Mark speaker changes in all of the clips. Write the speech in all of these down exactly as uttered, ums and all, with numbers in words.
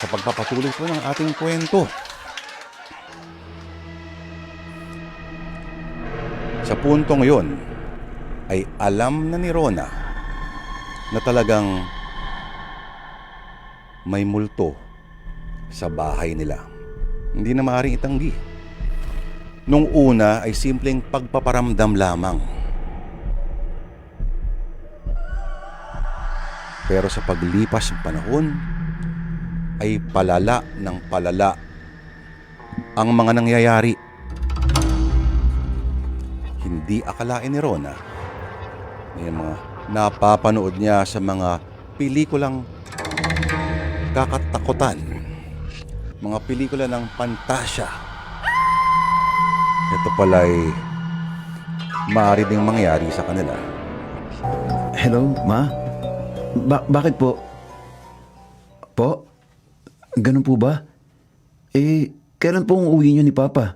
Speaker 1: sa pagpapatuloy po ng ating kwento. Sa puntong yon ay alam na ni Rona na talagang may multo sa bahay nila. Hindi na maaaring itanggi. Nung una ay simpleng pagpaparamdam lamang. Pero sa paglipas ng panahon ay palala ng palala ang mga nangyayari. Hindi akalain ni Rona na yung mga napapanood niya sa mga pelikulang kakatakutan, mga pelikula ng pantasya. Ito pala'y maaari ding mangyari sa kanila.
Speaker 2: Hello, Ma? Ba- bakit po? Po? Ganun po ba? Eh, kailan po ang uwi niyo ni Papa?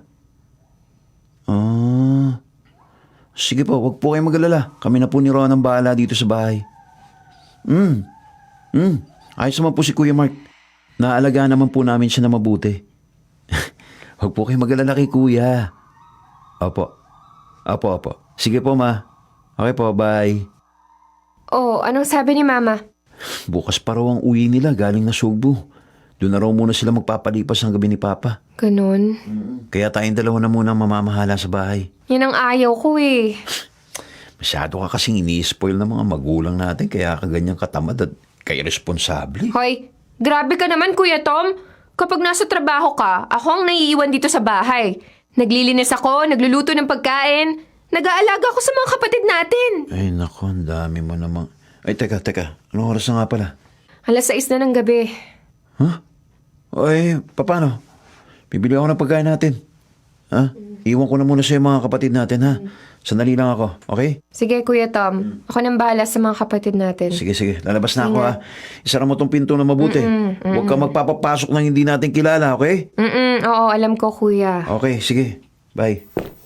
Speaker 2: Ah, sige po, wag po kayong mag-alala. Kami na po ni Ron ang bahala dito sa bahay. Hmm, hmm, ayos naman po si Kuya Mark. Naalagaan naman po namin siya na mabuti. Wag po kayong mag-alala kay Kuya. Opo, opo, opo. Sige po, Ma. Okay po, bye.
Speaker 3: Oh, anong sabi ni Mama?
Speaker 2: Bukas pa raw ang uwi nila galing na Sugbo. Doon na raw muna sila magpapalipas ng gabi ni Papa.
Speaker 3: Ganon.
Speaker 2: Kaya tayong dalawa na muna ang mamamahala sa bahay.
Speaker 3: Yan ang ayaw ko eh.
Speaker 2: Masyado ka kasing ini-spoil ng mga magulang natin kaya ka ganyang katamad at kay-responsable.
Speaker 3: Hoy, grabe ka naman Kuya Tom. Kapag nasa trabaho ka, ako ang naiiwan dito sa bahay. Naglilinis ako, nagluluto ng pagkain. Nag-aalaga ako sa mga kapatid natin.
Speaker 2: Ay nako, ang dami mo namang... Ay teka, teka. Anong oras na nga pala?
Speaker 3: Alas sais na ng gabi.
Speaker 2: Huh? Ay, paano? Bibili ako ng pagkain natin. Ha? Iwan ko na muna sa mga kapatid natin, ha? Sandali lang ako, okay?
Speaker 3: Sige Kuya Tom, ako nang bahala sa mga kapatid natin.
Speaker 2: Sige, sige. Lalabas na ako, ha? Isara mo tong pinto na mabuti. Huwag ka magpapapasok ng hindi natin kilala, okay?
Speaker 3: Mm-mm, oo, alam ko Kuya.
Speaker 2: Okay, sige. Bye.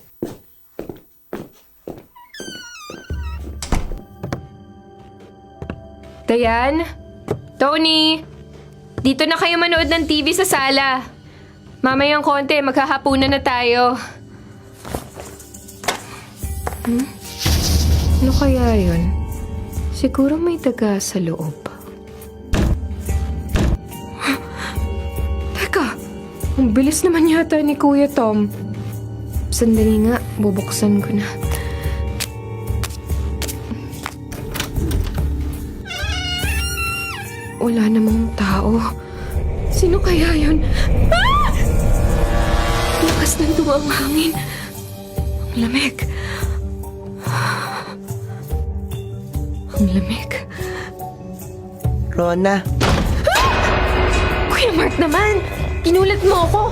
Speaker 3: Dayan? Tony? Dito na kayo manood ng T V sa sala. Mamayang konti, maghahapunan na tayo. Hmm? Ano kaya yun? Siguro may daga sa loob. Teka, ang bilis naman yata ni Kuya Tom. Sandali nga, bubuksan ko na. Wala namang tao. Sino kaya yun? Ah! Lakas ng duwang hangin. Ang lamig. Ang lamig.
Speaker 4: Rona,
Speaker 3: Kuya Mark naman! Ginulat mo ako!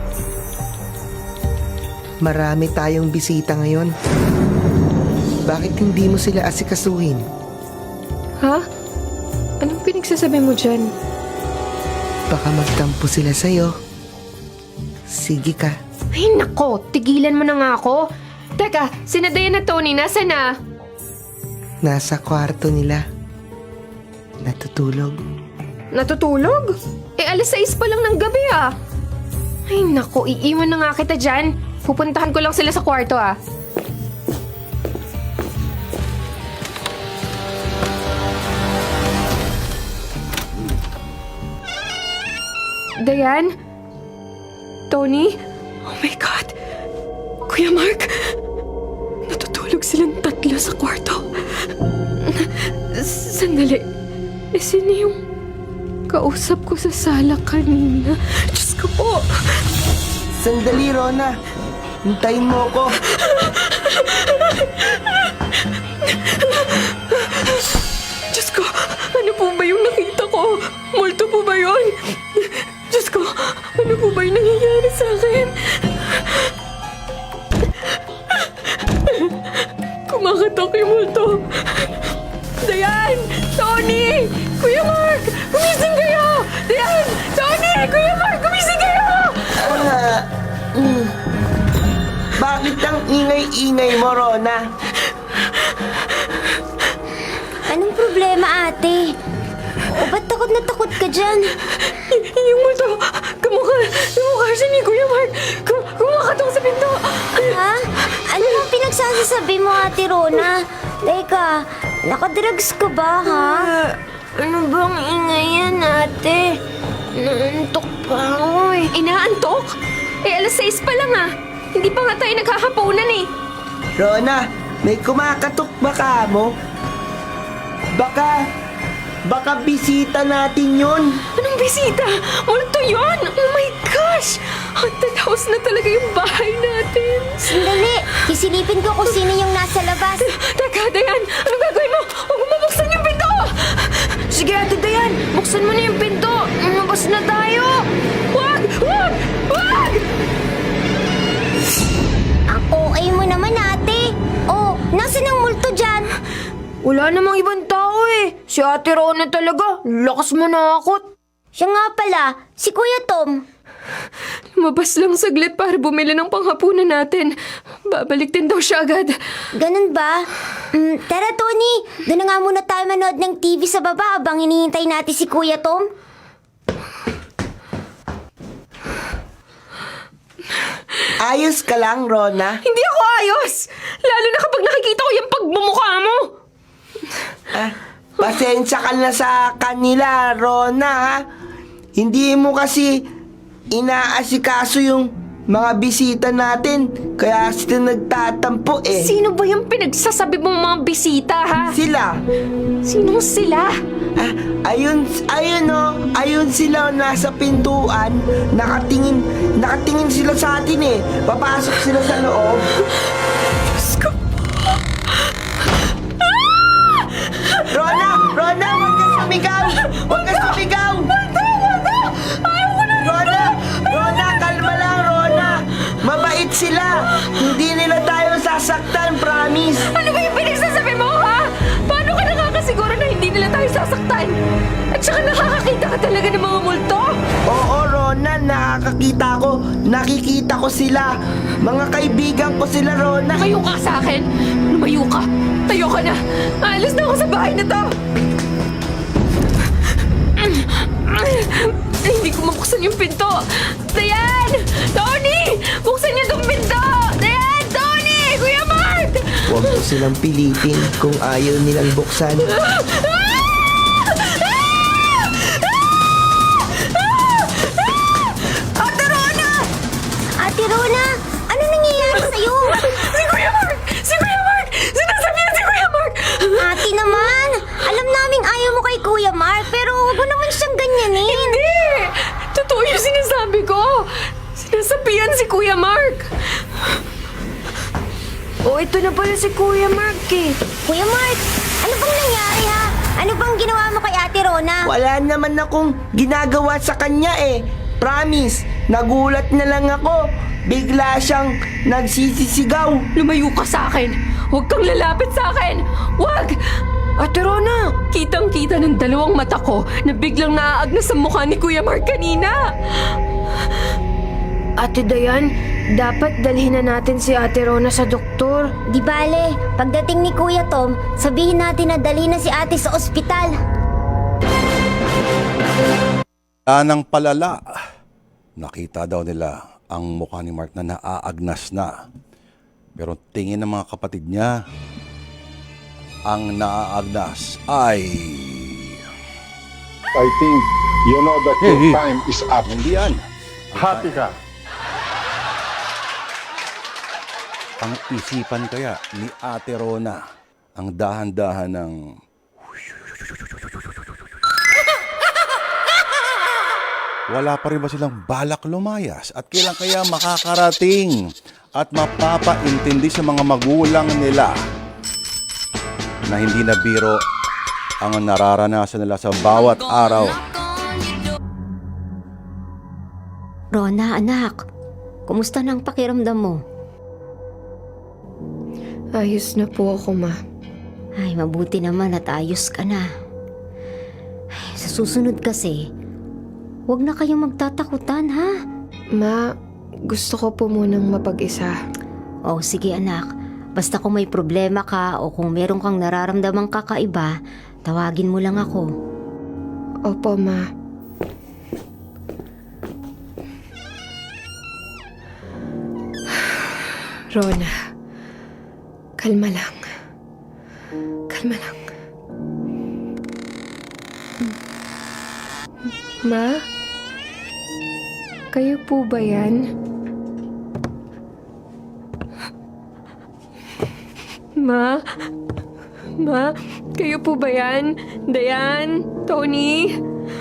Speaker 4: marami tayong bisita ngayon. Bakit hindi mo sila asikasuhin?
Speaker 3: Ha? Anong pinagsasabi mo dyan?
Speaker 4: Baka magtampo sila sa'yo. Sige ka.
Speaker 3: Ay nako, tigilan mo na nga ako. Teka, sina Dayan at Tony, nasa na?
Speaker 4: Nasa kwarto nila. Natutulog.
Speaker 3: Natutulog? Eh, alas sais pa lang ng gabi ah. Ay nako, iiwan na nga kita dyan. Pupuntahan ko lang sila sa kwarto ah. Dayan? Tony? Oh my God! Kuya Mark! Natutulog silang tatlo sa kwarto. Sandali. Eh, sino yung kausap ko sa sala kanina? Diyos ko po!
Speaker 4: Sandali, Rona. Hintayin mo ko.
Speaker 3: Diyos ko! Ano po ba yung nakita ko? Multo po ba yun? Diyos ko! Ano po ba yung nangyayari sa akin? Kumakatok yung multo. Dayan! Tony! Kuya Mark! Gumising kayo! Dayan! Tony! Kuya Mark! Gumising kayo!
Speaker 4: Ah, mm. Bakit ang ingay-ingay mo, Rona?
Speaker 5: Anong problema, ate? O ba't takot na takot ka dyan?
Speaker 3: Y- yung
Speaker 5: sabi mo, Ate Rona? Teka, nakadrugs ka ba, ha?
Speaker 3: Ano bang ingay yan, ate? Naantok pa ako eh. Inaantok? Eh, alas sais pa lang ah. Hindi pa nga tayo naghahaponan eh.
Speaker 4: Rona, may kumakatok ba ka mo? Baka, baka bisita natin yun.
Speaker 3: Anong bisita? Multo yun! Oh my gosh! Haunted house na talaga yung bahay natin.
Speaker 5: Sandali, kisilipin ko kung sino yung nasa labas.
Speaker 3: Teka, Dayan! Anong gagawin mo? Huwag mo mabuksan yung pinto! Sige, Ate Dayan! Buksan mo na yung pinto! Lumabas na tayo! Wag! Wag! Wag!
Speaker 5: Ang O A mo naman, ate. Oh, nasan ang multo dyan?
Speaker 3: Wala namang ibang tao eh. Si Ate Rona talaga. Lakas manakot.
Speaker 5: Siya nga pala, si Kuya Tom.
Speaker 3: Lumabas lang saglit para bumili ng panghapunan natin. Babalik din daw siya agad.
Speaker 5: Ganun ba? Mm, tara, Tony. Doon na nga muna tayo manood ng T V sa baba habang hinihintay natin si Kuya Tom.
Speaker 4: Ayos ka lang, Rona.
Speaker 3: Hindi ako ayos! Lalo na kapag nakikita ko yung pagmumukha mo!
Speaker 4: Ah, pasensya ka na sa kanila, Rona, ha? Hindi mo kasi inaasikaso yung mga bisita natin. Kaya sila nagtatampo eh.
Speaker 3: Sino ba yung pinagsasabi mong mga bisita, ha?
Speaker 4: Sila.
Speaker 3: Sinong sila?
Speaker 4: Ah, ayun, ayun oh, ayun sila nasa pintuan. Nakatingin, nakatingin sila sa atin eh. Papasok sila sa loob.
Speaker 3: Diyos ko po!
Speaker 4: Rona! Rona! Huwag ka sumigaw! Huwag ka sumigaw!
Speaker 3: Wanda! Wanda! Ayaw ko na!
Speaker 4: Rona! Rona! Kalma lang, Rona! Mabait sila! Hindi nila tayo sasaktan, promise!
Speaker 3: Ano ba yung pinagsasabi mo, ha? Paano ka nakakasiguro na hindi nila tayo sasaktan? At saka nakakakita ka talaga ng mga multo?
Speaker 4: Oo, Rona, nakakakita ko. Nakikita ko sila. Mga kaibigan ko sila, Rona.
Speaker 3: Lumayo ka sa akin! Lumayo ka! Tayo ka na! Alis na ako sa bahay na to! Ay, hindi ko mabuksan yung pinto! Dayan! Tony! Buksan niyo tong pinto! Dayan! Tony! Kuya Mark!
Speaker 4: Huwag mo silang pilitin kung ayaw nilang buksan.
Speaker 3: Ate Rona!
Speaker 5: Ate Rona, ano nangyayari sa'yo?
Speaker 3: Si Kuya Mark! Si Kuya Mark! Sinasabihan si Kuya Mark!
Speaker 5: Ate naman, alam naming ayaw mo kay Kuya Mark, pero huwag mo naman siyang ganyanin.
Speaker 3: Hindi! Totoo yung sinasabi ko! Sinasabihan si Kuya Mark! Oh, ito na pala si Kuya Mark eh.
Speaker 5: Kuya Mark, ano bang nangyari ha? Ano bang ginawa mo kay Ate Rona?
Speaker 4: Wala naman akong ginagawa sa kanya eh. Promise, nagulat na lang ako. Bigla siyang nagsisisigaw.
Speaker 3: Lumayo ka sa akin! Huwag kang lalapit sa akin! Huwag! Ate Rona, kitang-kita ng dalawang mata ko na biglang naaagnas sa mukha ni Kuya Mark kanina. Ate Dayan, dapat dalhin na natin si Ate Rona sa doktor.
Speaker 5: Di bale, pagdating ni Kuya Tom, sabihin natin na dali na si ate sa ospital.
Speaker 1: Anang palala. Nakita daw nila ang mukha ni Mark na naaagnas na. Pero tingin ng mga kapatid niya, ang naaagnas ay...
Speaker 6: I think you know that your
Speaker 1: Hey, hey.
Speaker 6: time is up.
Speaker 1: Hindi yan.
Speaker 6: Happy ka.
Speaker 1: Ang isipan kaya ni Ate Rona ang dahan-dahan ng... Wala pa rin ba silang balak lumayas? At kailan kaya makakarating at mapapaintindi sa mga magulang nila na hindi na biro ang nararanasan nila sa bawat araw?
Speaker 5: Rona, anak, kumusta na ang pakiramdam mo?
Speaker 3: Ayos na po ako, ma.
Speaker 5: Ay, mabuti naman at ayos ka na. Ay, sa susunod kasi, huwag na kayong magtatakutan, ha?
Speaker 3: Ma, gusto ko po munang mapag-isa.
Speaker 5: O, sige anak. Basta kung may problema ka o kung meron kang nararamdamang kakaiba, tawagin mo lang ako.
Speaker 3: Opo, ma. Rona, Kalma lang. Kalma lang. Ma? Kayo po ba yan? Ma? Ma? Kayo po ba yan? Dayan? Tony?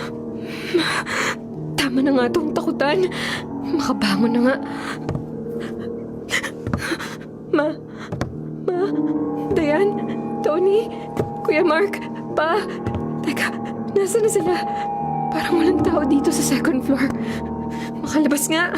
Speaker 3: Tama na nga itong takutan. Makabangon na nga. Ma? Ma? Dayan? Tony? Kuya Mark? Pa? Teka, nasa na sila? Parang walang tao dito sa second floor. Makalabas nga.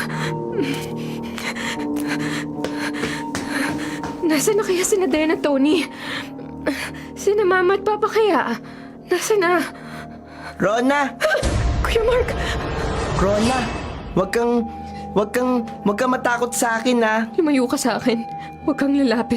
Speaker 3: Nasaan na kaya sina Dayan at Tony? Sina Mama at Papa kaya? Nasaan na?
Speaker 4: Rona!
Speaker 3: Kuya Mark!
Speaker 4: Rona! Wag kang... Wag kang... Wag kang matakot sa akin, ha?
Speaker 3: Lumayo ka sa akin. Huwag kang lalapit.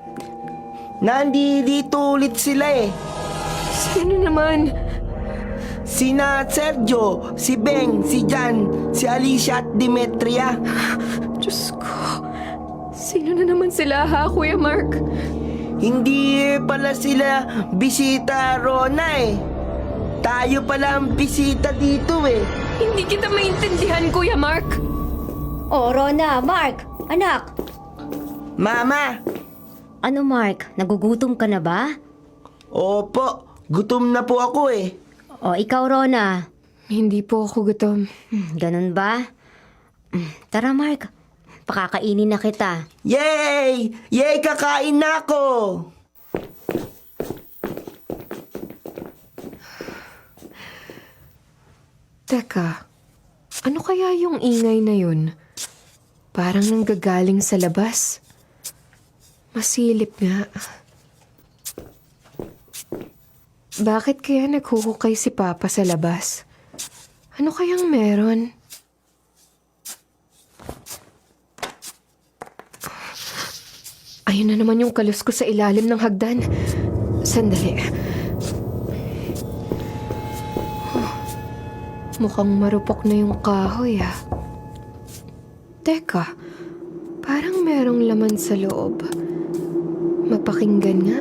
Speaker 4: Nandito ulit sila eh.
Speaker 3: Sino naman?
Speaker 4: Sina Sergio, si Beng, si Jan, si Alicia at Demetria.
Speaker 3: Diyos ko. Sino na naman sila ha, Kuya Mark?
Speaker 4: Hindi pala sila bisita, Rona eh. Tayo pala ang bisita dito eh.
Speaker 3: Hindi kita maintindihan, Kuya Mark.
Speaker 5: Oh, Rona, Mark, anak.
Speaker 4: Mama!
Speaker 5: Ano, Mark? Nagugutom ka na ba?
Speaker 4: Opo, gutom na po ako eh.
Speaker 5: O, ikaw, Rona.
Speaker 3: Hindi po ako gutom.
Speaker 5: Hmm, ganun ba? Hmm, Tara, Mark. Pakakainin na kita.
Speaker 4: Yay! Yay, kakain na ako!
Speaker 3: Teka, ano kaya yung ingay na yun? Parang nanggagaling sa labas. Masilip nga. Bakit kaya naghuhukay si Papa sa labas? Ano kayang meron? Ayun na naman yung kalus ko sa ilalim ng hagdan. Sandali. Huh. Mukhang marupok na yung kahoy ah. Teka, parang merong laman sa loob. Mapakinggan nga.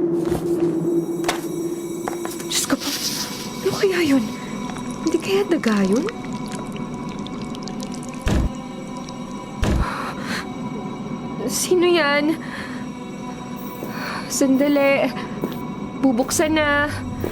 Speaker 3: Diyos ko po, ano kaya yun? Hindi kaya daga yun? Sino yan? Sandali. Bubuksan na.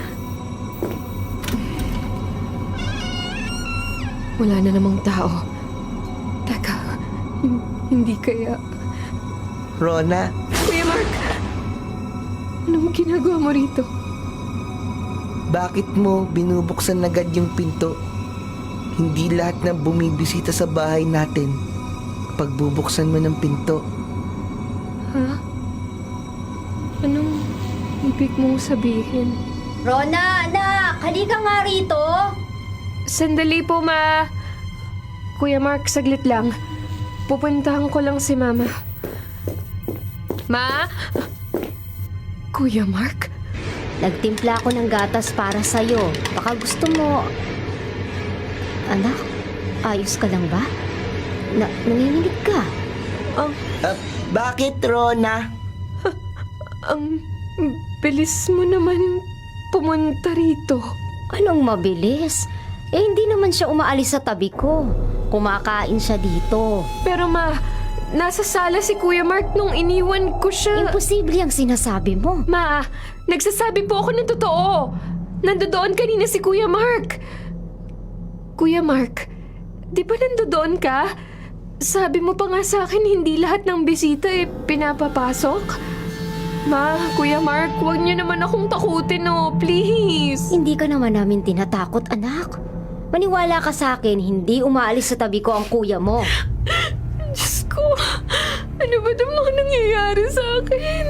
Speaker 3: Wala na namang tao. Teka, hin- hindi kaya...
Speaker 4: Rona,
Speaker 3: Kuya Mark! Anong ginagawa mo rito?
Speaker 4: bakit mo binubuksan agad yung pinto? Hindi lahat ng bumibisita sa bahay natin pagbubuksan mo ng pinto.
Speaker 3: Ha? Anong ibig mong sabihin?
Speaker 5: Rona, anak! Halika nga rito!
Speaker 3: Sandali po, Ma. Kuya Mark, saglit lang. Pupuntahan ko lang si Mama. Ma? Kuya Mark?
Speaker 5: Nagtimpla ako ng gatas para sa'yo. Baka gusto mo... Anak, ayos ka lang ba? Na nanginginig ka.
Speaker 3: Ang,
Speaker 4: Ah, bakit, Rona?
Speaker 3: ang bilis mo naman pumunta rito.
Speaker 5: Anong mabilis? Eh, hindi naman siya umaalis sa tabi ko. Kumakain siya dito.
Speaker 3: Pero Ma, nasa sala si Kuya Mark nung iniwan ko siya.
Speaker 5: Imposible ang sinasabi mo.
Speaker 3: Ma, nagsasabi po ako ng totoo. Nandoon kanina si Kuya Mark. Kuya Mark, di ba nandoon ka? Sabi mo pa nga sa akin hindi lahat ng bisita eh pinapapasok. Ma, Kuya Mark, huwag niyo naman akong takutin, no, please.
Speaker 5: Hindi ka naman namin tinatakot, anak. Maniwala ka sa akin, hindi umaalis sa tabi ko ang kuya mo.
Speaker 3: Diyos ko, ano ba namang nangyayari sa akin?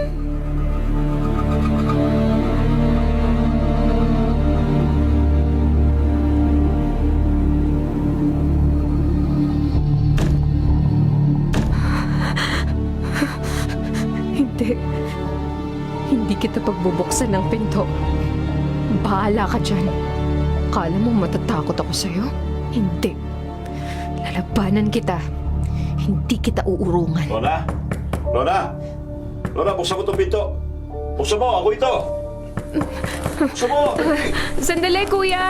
Speaker 3: Hindi. Hindi kita pagbubuksan ng pinto. Bahala ka dyan. Akala mo matatakot ako sa'yo? Hindi. Lalabanan kita. Hindi kita uurungan.
Speaker 1: Rona? Rona?
Speaker 2: Rona, buksan mo itong pinto. Buksan mo, ako ito. Buksan mo.
Speaker 3: Sandali, kuya.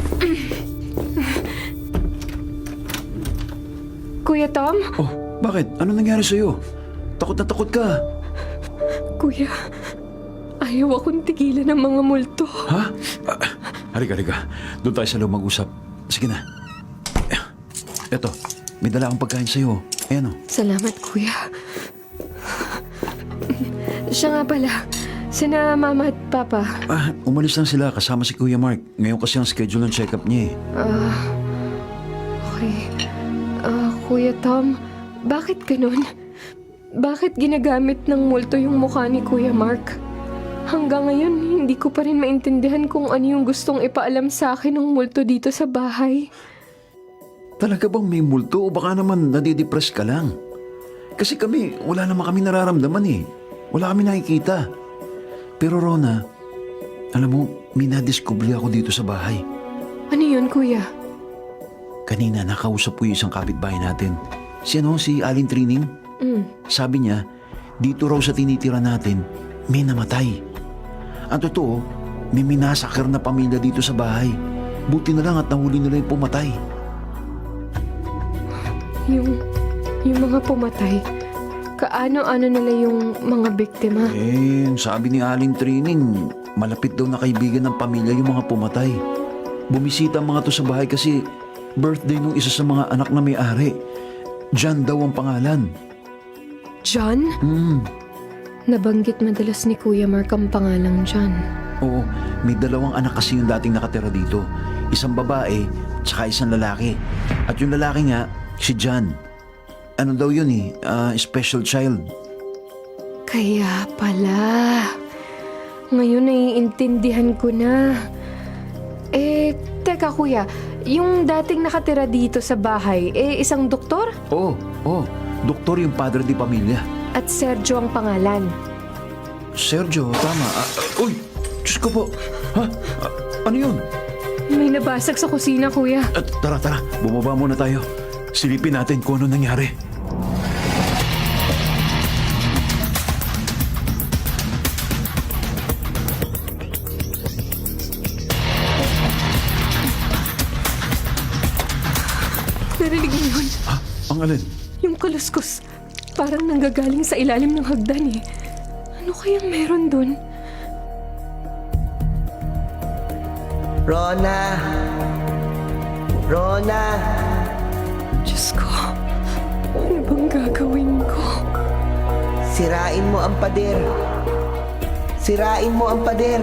Speaker 3: Kuya Tom?
Speaker 2: Oh, bakit? Ano nangyari sa'yo? Takot na takot ka.
Speaker 3: Kuya, ayaw akong tigilan ng mga multo.
Speaker 2: Ha? Ah, halika, halika. Doon tayo sa loob mag-usap. Sige na. Eto, may dala akong pagkain sa'yo. Ayan o.
Speaker 3: Salamat, kuya. Siya nga pala, sina mama at papa.
Speaker 2: Ah, umalis lang sila kasama si Kuya Mark. Ngayon kasi ang schedule ng check-up niya eh.
Speaker 3: Ah, okay. Ah, Kuya Tom, bakit ganun? Bakit ginagamit ng multo yung mukha ni Kuya Mark? Hanggang ngayon, hindi ko pa rin maintindihan kung ano yung gustong ipaalam sa akin ng multo dito sa bahay.
Speaker 2: Talaga bang may multo o baka naman nadidepress ka lang? Kasi kami, wala naman kami nararamdaman eh. Wala kami nakikita. Pero Rona, alam mo, may nadiskubre ako dito sa bahay.
Speaker 3: Ano yun, Kuya?
Speaker 2: Kanina nakausap ko yung isang kapitbahay natin. Si ano, si Alin Trining.
Speaker 3: Mm.
Speaker 2: Sabi niya, dito raw sa tinitira natin, may namatay. Ang totoo, may minasakar na pamilya dito sa bahay. Buti na lang at nahuli nila yung pumatay.
Speaker 3: Yung, yung mga pumatay, kaano-ano nila yung mga biktima?
Speaker 2: Eh, sabi ni Aling Trining, malapit daw na kaibigan ng pamilya yung mga pumatay. Bumisita ang mga to sa bahay kasi birthday nung isa sa mga anak na may-ari. John daw ang pangalan.
Speaker 3: John?
Speaker 2: Hmm,
Speaker 3: Nabanggit madalas ni Kuya Mark ang pangalang John.
Speaker 2: oo, may dalawang anak kasi yung dating nakatira dito. Isang babae, tsaka isang lalaki. At yung lalaki nga, si John. Ano daw yun eh, ah, special child.
Speaker 3: Kaya pala. Ngayon naiintindihan ko na. Eh, teka kuya, yung dating nakatira dito sa bahay, eh isang doktor?
Speaker 2: Oo, oo, doktor yung padre di pamilya.
Speaker 3: At Sergio ang pangalan.
Speaker 2: Sergio, tama. Ah, ah, uy, Diyos ko po. Ha? Ah, ano yun?
Speaker 3: May nabasag sa kusina, kuya.
Speaker 2: At tara, tara, bumaba muna tayo. Silipin natin kung ano nangyari.
Speaker 3: Narinig mo yun?
Speaker 2: Ha? Ang alin?
Speaker 3: Yung kaluskos. Parang nanggagaling sa ilalim ng hagdan eh. Ano kayang meron dun?
Speaker 4: Rona! Rona!
Speaker 3: Diyos ko, ano bang gagawin ko?
Speaker 4: Sirain mo ang pader. Sirain mo ang pader.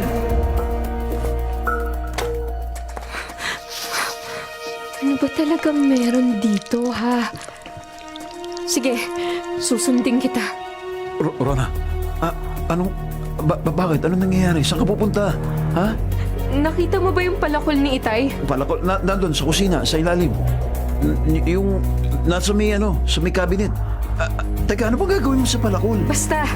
Speaker 3: Ano ba talagang meron dito, ha? Sige, susundin kita.
Speaker 2: R- Rona, ah, anong, ba- ba- bakit? Anong nangyayari? Saan ka pupunta? Ha?
Speaker 3: Nakita mo ba yung palakol ni Itay?
Speaker 2: Palakol, na, nandun sa kusina, sa ilalim. N- y- yung, nasa may ano, sa may cabinet. Ah, ah, teka, ano bang gagawin mo sa palakol?
Speaker 3: Basta.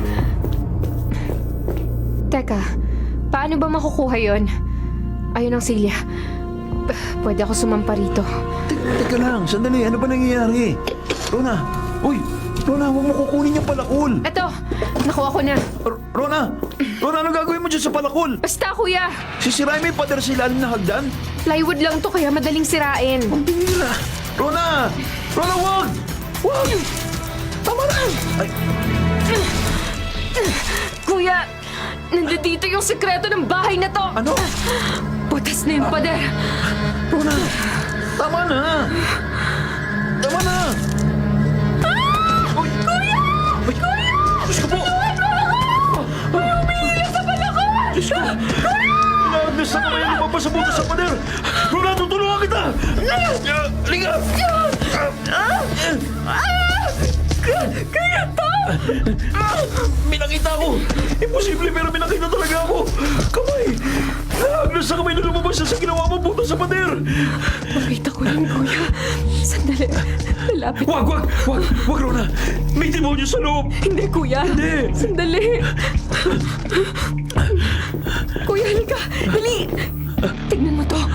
Speaker 3: Teka, paano ba makukuha yon? Ayun ang silya. P- Pwede ako sumampa rito.
Speaker 2: Te- teka lang, sandali, ano ba nangyayari? Rona, uy, Rona, huwag mo kukunin yung palakol.
Speaker 3: Eto, nakuha ko na.
Speaker 2: R- Rona, Rona, ano gagawin mo dyan sa palakol?
Speaker 3: Basta, kuya.
Speaker 2: Sisirain mo yung pader sa ilalim na hagdan?
Speaker 3: Plywood lang to kaya madaling sirain.
Speaker 2: Ang bihira. Rona! Rona, wag! Wag! Tama na! Ay,
Speaker 3: Kuya, nandito yung sekreto ng bahay na to.
Speaker 2: ano?
Speaker 3: Butas na yung pader.
Speaker 2: Rona! Tama na! Tama na! Uy! Kuya! Uy! Kuya! Diyos ko po! May umiiyak sa palakol! Diyos ko! Inaagnas na kamay ang lumabas sa butas sa pader! Rona, tutulungan kita! Liga!
Speaker 3: Kaya to!
Speaker 2: May nakita ako! Imposible pero may nakita talaga ako! Kamay! Naagnas na kamay na lumabas sa ginawa mo butas sa pader!
Speaker 3: Makita ko yun, kuya. Sandali. Lalapit.
Speaker 2: Wag! Wag! Wag! Wag, Rona! May demonyo sa loob!
Speaker 3: Hindi, kuya.
Speaker 2: Hindi.
Speaker 3: Sandali. Kuya, halika. Dali. Tignan mo to.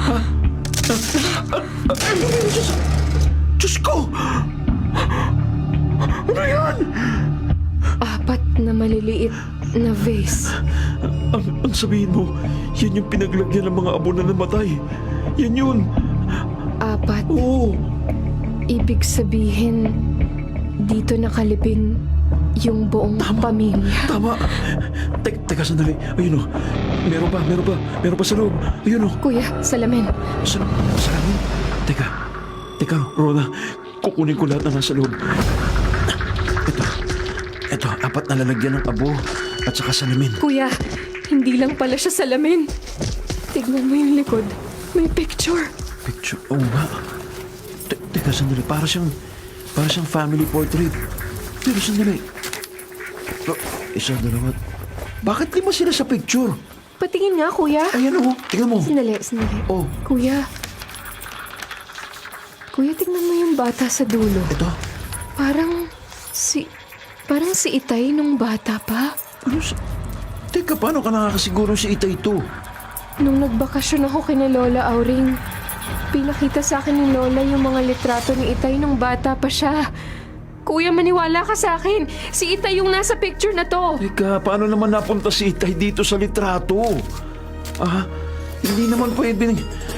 Speaker 2: Diyos ko! Ano yan?
Speaker 3: Apat na maliliit na vase.
Speaker 2: Ang, ang sabihin mo, yan yung pinaglagyan ng mga abo na namatay. Yan yun.
Speaker 3: Apat.
Speaker 2: Oo.
Speaker 3: Ibig sabihin, dito nakalibing yung buong pamilya.
Speaker 2: Tama. Te- teka, sandali. Ayun o. Meron pa, meron pa. Meron pa sa loob. Ayun o.
Speaker 3: Kuya, salamin.
Speaker 2: Sa, sa amin? Teka. Teka, Rona. Kukunin ko lahat na nasa loob. Ito. Ito, apat na lalagyan ng abo at saka salamin.
Speaker 3: Kuya, hindi lang pala siya salamin. Tignan mo yung likod. May picture.
Speaker 2: Picture. Oo nga. Te- teka, sandali. Para siyang, para siyang family portrait. Pero sandali. Oh, isa, dalawa. Bakit lima sila sa picture?
Speaker 3: Patingin nga, kuya.
Speaker 2: Ayan o. Tingnan mo.
Speaker 3: Sandali, sandali.
Speaker 2: Oh,
Speaker 3: Kuya. Kuya, tignan mo yung bata sa dulo.
Speaker 2: ito.
Speaker 3: Parang si... Parang si Itay nung bata pa.
Speaker 2: Ano sa... Teka, paano ka nakakasiguro si Itay ito?
Speaker 3: Nung nagbakasyon ako kina Lola Auring, pinakita sa akin ni Lola yung mga litrato ni Itay nung bata pa siya. Kuya, maniwala ka sa akin. Si Itay yung nasa picture na to.
Speaker 2: Teka, paano naman napunta si Itay dito sa litrato? Ah, hindi naman pwede.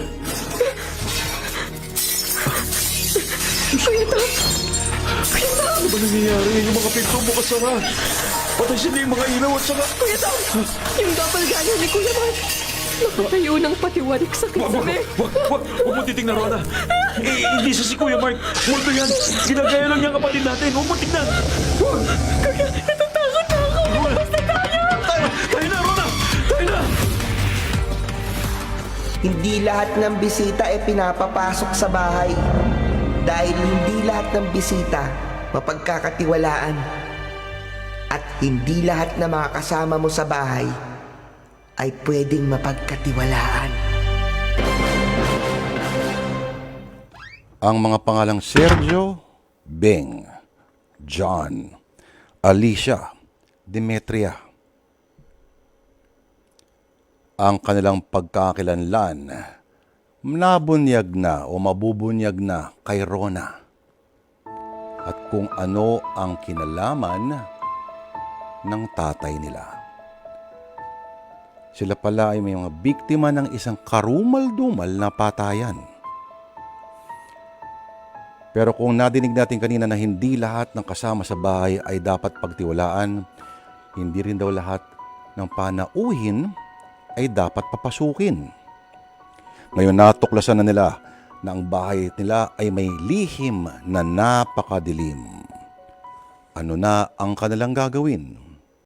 Speaker 3: Kuya Tom! Kuya Tom!
Speaker 2: Ano ba nangyayari? Yung mga pinto mo kasara. Patay sila yung mga ilaw at saka...
Speaker 3: Kuya Tom! Yung doppelganger ni Kuya Mark! Nakatayo ng patiwarik sa
Speaker 2: Wag, wag,
Speaker 3: kisame.
Speaker 2: wag, wag, wag mo titignan, Rona. Eh, hindi siya si Kuya Mark. Multo yan. Ginagaya lang niya ang kapatid natin. Huwag mo tignan. Wag.
Speaker 3: Kuya, natatakot na ako! Basta tayo!
Speaker 2: Tayo, tayo na, Rona. Tayo na.
Speaker 4: Hindi lahat ng bisita ay pinapapasok sa bahay. Dahil hindi lahat ng bisita mapagkakatiwalaan. At hindi lahat na mga kasama mo sa bahay ay pwedeng mapagkatiwalaan.
Speaker 1: Ang mga pangalang Sergio, Beng, John, Alicia, Demetria. Ang kanilang pagkakakilanlan, nabunyag na o mabubunyag na kay Rona. At kung ano ang kinalaman ng tatay nila. Sila pala ay may mga biktima ng isang karumal-dumal na patayan. Pero kung nadinig natin kanina na hindi lahat ng kasama sa bahay ay dapat pagtiwalaan, hindi rin daw lahat ng panauhin ay dapat papasukin. Ngayon natuklasan na nila na ang bahay nila ay may lihim na napakadilim. Ano na ang kanilang gagawin?